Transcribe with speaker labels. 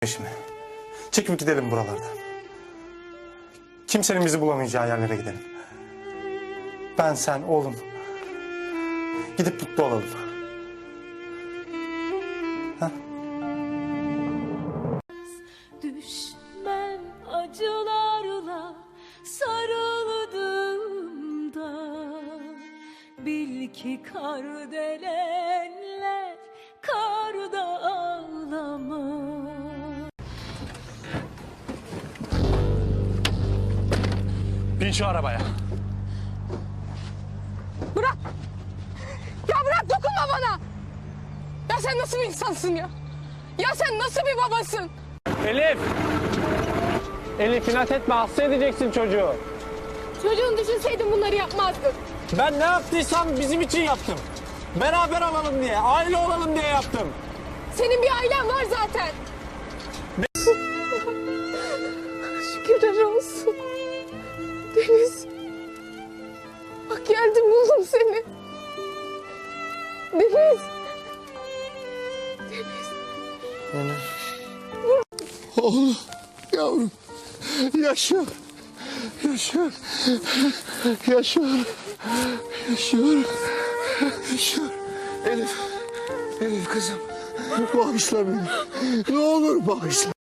Speaker 1: Peşime. Çekip gidelim buralardan. Kimsenin bizi bulamayacağı yerlere gidelim. Ben, sen, oğlum. Gidip mutlu olalım. Ha?
Speaker 2: Düşmem acılarla sarıldığımda, bil ki kardelenler karda ağlamaz.
Speaker 1: Bin şu arabaya.
Speaker 3: Bırak! Ya bırak, dokunma bana! Ya sen nasıl bir insansın ya? Ya sen nasıl bir babasın?
Speaker 4: Elif! Elif inat etme, hasta edeceksin çocuğu.
Speaker 3: Çocuğunu düşünseydin bunları yapmazdın.
Speaker 4: Ben ne yaptıysam bizim için yaptım. Beraber olalım diye, aile olalım diye yaptım.
Speaker 3: Senin bir ailen var zaten. Şükürler olsun. Deniz. Bak geldim, buldum seni. Deniz.
Speaker 5: Oğlum, yavrum, yaşıyor, yaşıyor, yaşıyor, yaşıyor, yaşıyor. Elif, Elif kızım, bağışla beni. Ne olur bağışla.